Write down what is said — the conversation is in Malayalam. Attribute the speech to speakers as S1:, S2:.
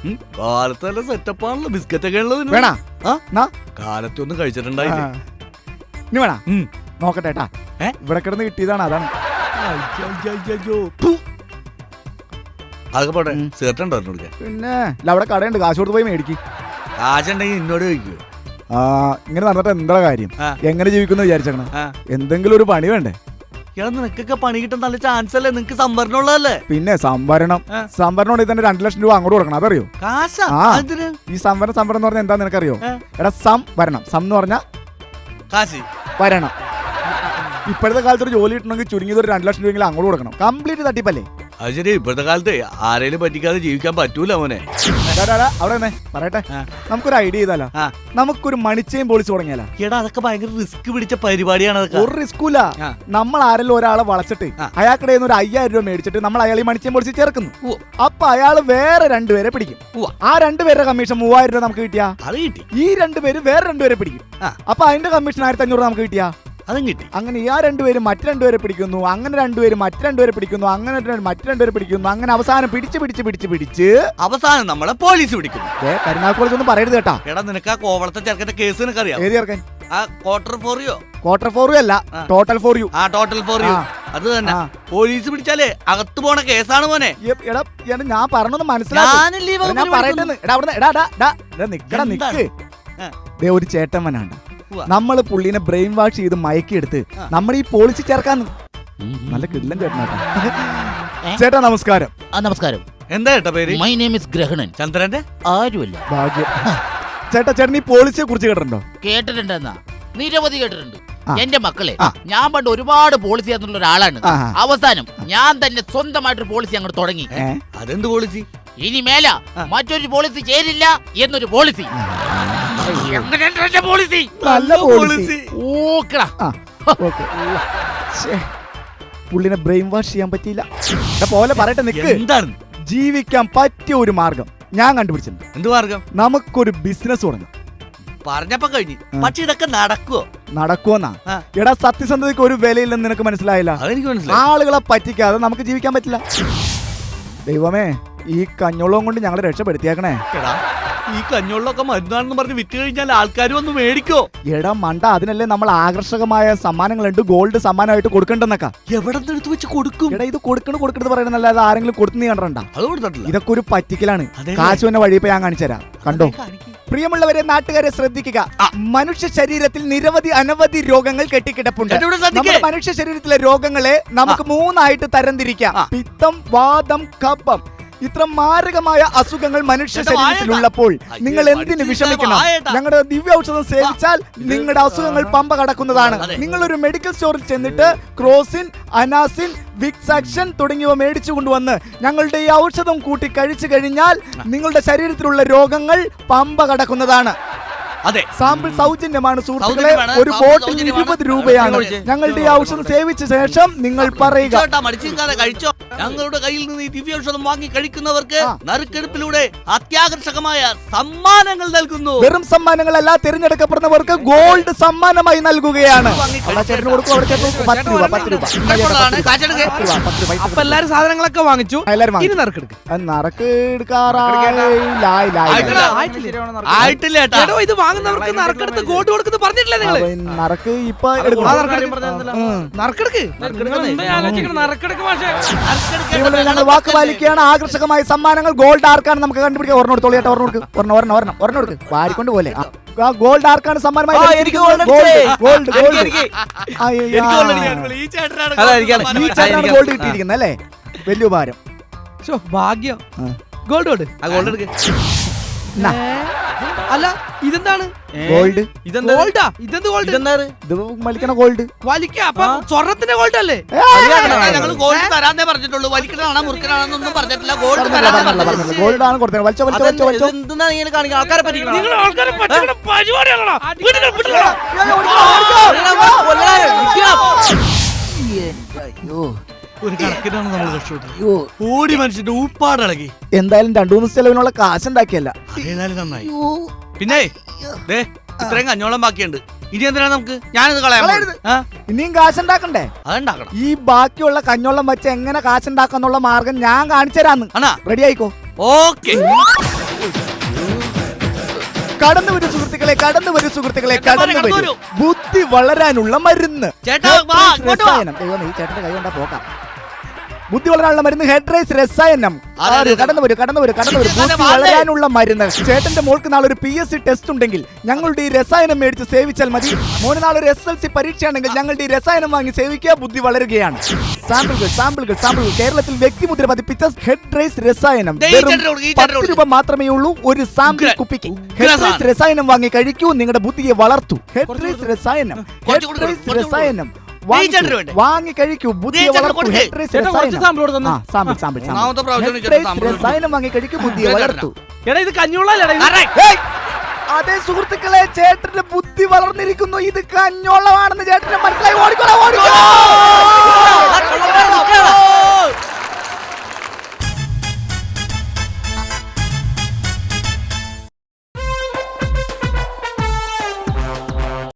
S1: കാലത്ത് നല്ല സെറ്റപ്പാണല്ലോ, ബിസ്ക്കറ്റ് ഒക്കെ ഉള്ളത്
S2: വേണ
S1: കാലത്തൊന്നും കഴിച്ചിട്ടുണ്ടായില്ലേ?
S2: ഇനി വേണ നോക്കട്ടെ ഏട്ടാ. ഇവിടെ കിടന്ന് കിട്ടിയതാണ്, അതാണ്.
S1: അതൊക്കെ പോട്ടെ, സേർട്ടുണ്ടോ?
S2: പിന്നെ അവിടെ കടയുണ്ട്, കാശ് കൊടുത്ത് പോയി മേടിക്കും.
S1: കാശുണ്ടെങ്കിൽ എന്നോട് ചോദിക്കൂ.
S2: ഇങ്ങനെ നടന്നിട്ട് എന്താ കാര്യം? എങ്ങനെ ജീവിക്കുന്നു വിചാരിച്ചേക്കണം? എന്തെങ്കിലും ഒരു പണി വേണ്ടേ?
S1: നിനക്കൊക്കെ പണി കിട്ടാൻ നല്ല ചാൻസ് അല്ലേ? നിനക്ക് സംഭരണം ഉള്ളതല്ലേ?
S2: പിന്നെ സംഭരണം ഉണ്ടെങ്കിൽ തന്നെ 2 ലക്ഷം രൂപ അങ്ങോട്ട് കൊടുക്കണം, അതറിയോ? ഈ സംഭരണം എന്ന് പറഞ്ഞാൽ എന്താ നിനക്കറിയോ? എടാ സംഭരണം എന്ന് പറഞ്ഞാൽ
S1: കാശ്
S2: വരണം. ഇപ്പോഴത്തെ കാലത്ത് ഒരു ജോലി കിട്ടണമെങ്കിൽ ചുരുങ്ങിയത് ഒരു 2 ലക്ഷം രൂപയെങ്കിലും അങ്ങോട്ട് കൊടുക്കണം. കംപ്ലീറ്റ് തട്ടിപ്പല്ലേ?
S1: അത് ശരി, ഇപ്പോഴത്തെ കാലത്ത് ആരേലും പറ്റിക്കാതെ ജീവിക്കാൻ പറ്റൂല മോനെ.
S2: അവിടെ തന്നെ പറയട്ടെ, നമുക്കൊരു ഐഡിയ ചെയ്താലോ? നമുക്കൊരു മണിച്ചയും പോളിസി തുടങ്ങിയാലോ?
S1: എടാ അതൊക്കെ ഭയങ്കര റിസ്ക് പിടിച്ച പരിപാടിയാണ്.
S2: ഒരു റിസ്കൂല. നമ്മൾ ആരെങ്കിലും ഒരാളെ വളച്ചിട്ട് അയാൾക്കിടെ ഒരു 5000 രൂപ മേടിച്ചിട്ട് നമ്മൾ അയാൾ ഈ മണിച്ചയും പോളിസി ചേർക്കുന്നു. അപ്പൊ അയാൾ വേറെ 2 പേരെ പിടിക്കും. ആ 2 പേരുടെ കമ്മീഷൻ 3000 രൂപ നമുക്ക് കിട്ടിയാ, ഈ 2 പേര് വേറെ 2 പേരെ പിടിക്കും. അപ്പൊ അതിന്റെ കമ്മീഷൻ 1500 നമുക്ക് കിട്ടിയാ,
S1: അതും കിട്ടി.
S2: അങ്ങനെ ആ 2 പേര് മറ്റു 2 പേരെ പിടിക്കുന്നു, അങ്ങനെ 2 പേര് മറ്റു 2 പേരെ പിടിക്കുന്നു, അങ്ങനെ മറ്റു 2 പേരെ പിടിക്കുന്നു, അങ്ങനെ അവസാനം പിടിച്ച്
S1: അവസാനം നമ്മളെ പോലീസ് പിടിക്കുന്നു.
S2: കരുനാഗപ്പള്ളി കോളേജ് ഒന്നും പറയരുത് കേട്ടാ.
S1: എടാ നിനക്ക് ആ കോവളത്തെ ചെറുക്കന്റെ കേസ് നിനക്കറിയാം?
S2: ഏത് ചെറുക്കൻ?
S1: ക്വാർട്ടർ
S2: ഫോർ യു അല്ല, total for you.
S1: Total for you അത് തന്നെ. പോലീസ് പിടിച്ചാലേ അകത്ത് പോണ കേസാണ് മോനെ.
S2: എടാ ഞാൻ പറഞ്ഞൊന്ന് മനസ്സിലാക്കി. ഒരു ചേട്ടമ്മനാണ്, നമ്മള് പുള്ളിനെ ബ്രെയിൻ വാഷ് ചെയ്ത് മയക്കിയെടുത്ത് നമ്മൾ ഈ പോളിസി ചേർക്കാന്ന്. നല്ല കിടിലൻ ചേട്ടനാട്ടാ. ചേട്ടാ നമസ്കാരം.
S3: നമസ്കാരം.
S1: എന്താ ചേട്ടാ പേര്?
S3: മൈ നെയിം ഇസ് ഗ്രഹണൻ.
S1: ചന്ദ്രന്റെ
S3: ആരുമല്ല.
S2: ഭാഗ്യം. ചേട്ടൻ ഈ പോളിസിയെ കുറിച്ച് കേട്ടിട്ടുണ്ടോ?
S3: കേട്ടിട്ടുണ്ടെന്നാ? നിരവധി കേട്ടിട്ടുണ്ട്. എന്റെ മക്കളെ, ഞാൻ പണ്ട് ഒരുപാട് പോളിസി എന്നുള്ള ഒരാളാണ്. അവസാനം ഞാൻ തന്നെ സ്വന്തമായിട്ടൊരു പോളിസി അങ്ങോട്ട് തുടങ്ങി.
S1: അതെന്ത് പോളിസി?
S3: ഇനി മേല മറ്റൊരു പോളിസി ചേരില്ല എന്നൊരു പോളിസി.
S2: പുള്ളിനെ ബ്രെയിൻ വാഷ് ചെയ്യാൻ പറ്റിയില്ല. പോലെ പറയട്ടെ, നിക്ക്. ജീവിക്കാൻ പറ്റിയ ഒരു മാർഗം ഞാൻ കണ്ടുപിടിച്ചിട്ടുണ്ട്.
S1: എന്ത് മാർഗം?
S2: നമുക്കൊരു ബിസിനസ് തുടങ്ങാം.
S1: പറഞ്ഞപ്പോ കഴിഞ്ഞു. പക്ഷെ ഇതൊക്കെ
S2: നടക്കുവോന്നാ? എടാ സത്യസന്ധതയ്ക്ക് ഒരു വിലയില്ലെന്ന് നിനക്ക് മനസ്സിലായില്ല? ആളുകളെ പറ്റിക്കാതെ നമുക്ക് ജീവിക്കാൻ പറ്റില്ല. ദൈവമേ, ഈ കഞ്ഞോളം കൊണ്ട് ഞങ്ങളെ രക്ഷപ്പെടുത്തിയേക്കണേ.
S1: ഈ കഞ്ഞോളിലൊക്കെ മരുന്നാണെന്ന് പറഞ്ഞ് വിറ്റ് കഴിഞ്ഞാൽ ആൾക്കാർ വന്ന് മേടിക്കോ?
S2: എടാ മണ്ട, അതിനല്ലേ നമ്മൾ ആകർഷകമായ സമ്മാനങ്ങളുണ്ട്, ഗോൾഡ് സമ്മാനമായിട്ട് കൊടുക്കണ്ടെന്നൊക്കെ.
S1: എവിടെ എടുത്ത് വെച്ച് കൊടുക്കും?
S2: എടാ ഇത് കൊടുക്കണത് പറയണല്ലാതെ ആരെങ്കിലും കൊടുത്തു നീ കണ്ടണ്ട?
S1: അത് കൊടുത്തിട്ടില്ല.
S2: ഇതൊക്കെ ഒരു പറ്റിക്കലാണ്. കാശ് വന്ന വഴി ഇപ്പൊ ഞാൻ കാണിച്ചു തരാം, കണ്ടോ? പ്രിയമുള്ളവരെ, നാട്ടുകാരെ ശ്രദ്ധിക്കുക. മനുഷ്യ ശരീരത്തിൽ അനവധി രോഗങ്ങൾ കെട്ടിക്കിടപ്പുണ്ട്. മനുഷ്യ ശരീരത്തിലെ രോഗങ്ങളെ നമുക്ക് 3ആയിട്ട് തരംതിരിക്കാം. പിത്തം, വാതം, കഫം. ഇത്ര മാരകമായ അസുഖങ്ങൾ മനുഷ്യ ശരീരത്തിലുള്ളപ്പോൾ നിങ്ങൾ എന്തിനു വിഷമിക്കണം? ഞങ്ങളുടെ ദിവ്യ ഔഷധം സേവിച്ചാൽ നിങ്ങളുടെ അസുഖങ്ങൾ പമ്പ കടക്കുന്നതാണ്. നിങ്ങളൊരു മെഡിക്കൽ സ്റ്റോറിൽ ചെന്നിട്ട് ക്രോസിൻ, അനാസിൻ, വിക്സാക്ഷൻ തുടങ്ങിയവ മേടിച്ചു കൊണ്ടുവന്ന് ഞങ്ങളുടെ ഈ ഔഷധം കൂട്ടി കഴിച്ചു കഴിഞ്ഞാൽ നിങ്ങളുടെ ശരീരത്തിലുള്ള രോഗങ്ങൾ പമ്പ കടക്കുന്നതാണ്.
S1: അതെ,
S2: സാമ്പിൾ സൗജന്യമാണ് സുഹൃത്തുക്കളെ. ഒരു ബോട്ടിൽ 20 രൂപയാണ്. ഞങ്ങളുടെ ഈ ഔഷധം സേവിച്ച ശേഷം നിങ്ങൾ പറയുക.
S1: കഴിച്ചോ. ഞങ്ങളുടെ കയ്യിൽ നിന്ന് ഈ ദിവ്യ ഔഷധം വാങ്ങി കഴിക്കുന്നവർക്ക് നറുക്കെടുപ്പിലൂടെ അത്യാകർഷകമായ സമ്മാനങ്ങൾ നൽകുന്നു.
S2: വെറും സമ്മാനങ്ങളല്ല, തിരഞ്ഞെടുക്കപ്പെടുന്നവർക്ക് ഗോൾഡ് സമ്മാനമായി നൽകുകയാണ്.
S4: എല്ലാരും സാധനങ്ങളൊക്കെ വാങ്ങിച്ചു.
S1: ഇത്
S4: വാങ്ങുന്നവർക്ക് നറുക്കെടുത്ത് ഗോൾഡ് കൊടുക്കുന്നു പറഞ്ഞിട്ടില്ലേ നിങ്ങൾ?
S2: നറുക്ക് ഇപ്പൊ ഞങ്ങൾ വാക്ക് പാലിക്കുകയാണ്. ആകർഷകമായ സമ്മാനങ്ങൾ ഗോൾഡ് ആർക്കാണ് നമുക്ക് കണ്ടുപിടിക്കുക. ഒരെണ്ണം വാരിക്കൊണ്ട് പോലെ ഗോൾഡ് ആർക്കാണ് സമ്മാനമായി? ഗോൾഡ് കിട്ടിയിരിക്കുന്നത് അല്ലേ? വലിയ ഉപകാരം.
S4: ഭാഗ്യം. ഗോൾഡ് അല്ല, ഇതെന്താണ്?
S2: ഗോൾഡ്.
S4: ഗോൾഡാ? ഇതെന്ത് ഗോൾഡ്?
S2: ഇത് വലിക്കണ ഗോൾഡ്.
S4: അപ്പൊ സ്വർണത്തിന്റെ ഗോൾഡ് അല്ലേ?
S1: ഞങ്ങൾ ഗോൾഡ് തരാന്നേ പറഞ്ഞിട്ടുള്ളൂ. വലിക്കണാണോ മുറുക്കനാണെന്നൊന്നും പറഞ്ഞിട്ടില്ല. ഗോൾഡ്
S2: ഗോൾഡ് ആണ് കൊടുത്തത്.
S1: ആൾക്കാരെ പറ്റിക്കണം. ഒരു കണക്കിനാണ് നമ്മൾ രക്ഷപ്പെട്ടത്. ഓടി മനുഷ്യന്റെ ഊപ്പാടിളകി.
S2: എന്തായാലും 2-3 ദിവസം ചെലവിനുള്ള കാശുണ്ടാക്കിയല്ല.
S1: അതേതായാലും നന്നായി. പിന്നെ ഇത്രയും കഞ്ഞോളം ബാക്കിയുണ്ട്. ഇനി എന്തിനാണ് നമുക്ക്? ഞാനിത് കളയാം.
S2: ഇനിയും കാശുണ്ടാക്കണ്ടേ?
S1: അതുണ്ടാക്കണം.
S2: ഈ ബാക്കിയുള്ള കഞ്ഞോളം വെച്ച് എങ്ങനെ കാശുണ്ടാക്കാന്നുള്ള മാർഗം ഞാൻ കാണിച്ചു തരാന്ന്. റെഡി ആയിക്കോ?
S1: ഓക്കെ.
S2: കടന്നു വരൂ സുഹൃത്തുക്കളെ, കടന്നു വരൂ സുഹൃത്തുക്കളെ,
S1: ചേട്ടാ,
S2: കടന്നു
S1: കടന്നു
S2: വരൂ.
S1: വരൂ.
S2: ബുദ്ധി വളരാനുള്ള മരുന്ന്.
S1: ചേട്ടാ, വാ, ഇങ്ങോട്ട് വാ.
S2: രസായനം. ദൈവമേ, ഈ ചേട്ടന്റെ കൈ കൊണ്ടാ പോക്കാം. ബുദ്ധി വളരാനുള്ള മരുന്ന് ഹെഡ്രൈസ് രസായനം.
S1: അതെ, അതെ.
S2: കടന്നു വരൂ, കടന്നു വരൂ, കടന്നു വരൂ. ബുദ്ധി
S1: വാ, അതെ.
S2: വളരാനുള്ള മരുന്ന്. ചേട്ടന്റെ മോൾക്ക് നാളെ ഒരു PSC ടെസ്റ്റ് ഉണ്ടെങ്കിൽ ഞങ്ങളുടെ ഈ രസായനം മേടിച്ച് സേവിച്ചാൽ മതി. മോന് നാളെ ഒരു SLC പരീക്ഷയാണെങ്കിൽ ഞങ്ങളുടെ ഈ രസായനം വാങ്ങി സേവിക്കുക. ബുദ്ധി വളരുകയാണ്. സാമ്പിളുകൾ സാമ്പിളുകൾ സാമ്പിളുകൾ. കേരളത്തിൽ വ്യക്തിമുദ്ര പതിപ്പിച്ച ഹെഡ്രൈസ് രസായനം
S1: ദേ, ഈ
S2: വെറും
S1: ചേട്ടനോട്, ഈ ചേട്ടനോട്.
S2: 10 രൂപ മാത്രമേ ഉള്ളൂ ഒരു സാമ്പിൾ
S1: ഉഗ്ര.
S2: കുപ്പിക്ക്.
S1: ഉഗ്ര
S2: ഹെഡ്രൈസ്
S1: സാധനം.
S2: രസായനം വാങ്ങി കഴിക്കൂ, നിങ്ങളുടെ ബുദ്ധിയെ വളർത്തൂ. ഹെഡ്രൈസ് രസായനം,
S1: കുറച്ച് കൊടുക്ക്,
S2: ഹെഡ്രൈസ്
S1: കുറച്ച്
S2: രസായനം
S1: ഈ ചേട്ടന് വേണ്ടേ?
S2: വാങ്ങി കഴിക്കൂ, ബുദ്ധിയെ
S1: ചേട്ടന്
S2: വളർത്തൂ.
S1: കൊടുക്ക്.
S2: ഹെഡ്രൈസ്
S4: ചേട്ടാ, കുറച്ച്
S2: രസായനം.
S4: സാമ്പിൾ കൂടെ തന്നേ.
S2: ആ, സാമ്പിൾ സാമ്പിൾ
S1: ഒന്നാമത്തെ പ്രാവശ്യം
S2: സാമ്പിൾ.
S1: ചേട്ടൻ സാമ്പിൾ
S2: രസായനം വാങ്ങി കഴിക്കൂ, ബുദ്ധിയെ
S1: ചേട്ടനാ.
S2: വളർത്തൂ.
S4: എടാ ഇത് കഞ്ഞുള്ളല്ലേ
S1: Correct.
S2: ഏയ്! അതേ സുഹൃത്തുക്കളെ, ചേട്ടന്റെ ബുദ്ധി വളർന്നിരിക്കുന്നു. ഇത് കഞ്ഞോളമാണെന്ന് ചേട്ടന് മനസ്സിലായി. ഓടിക്കോളാം, ഓടിക്കോളാം.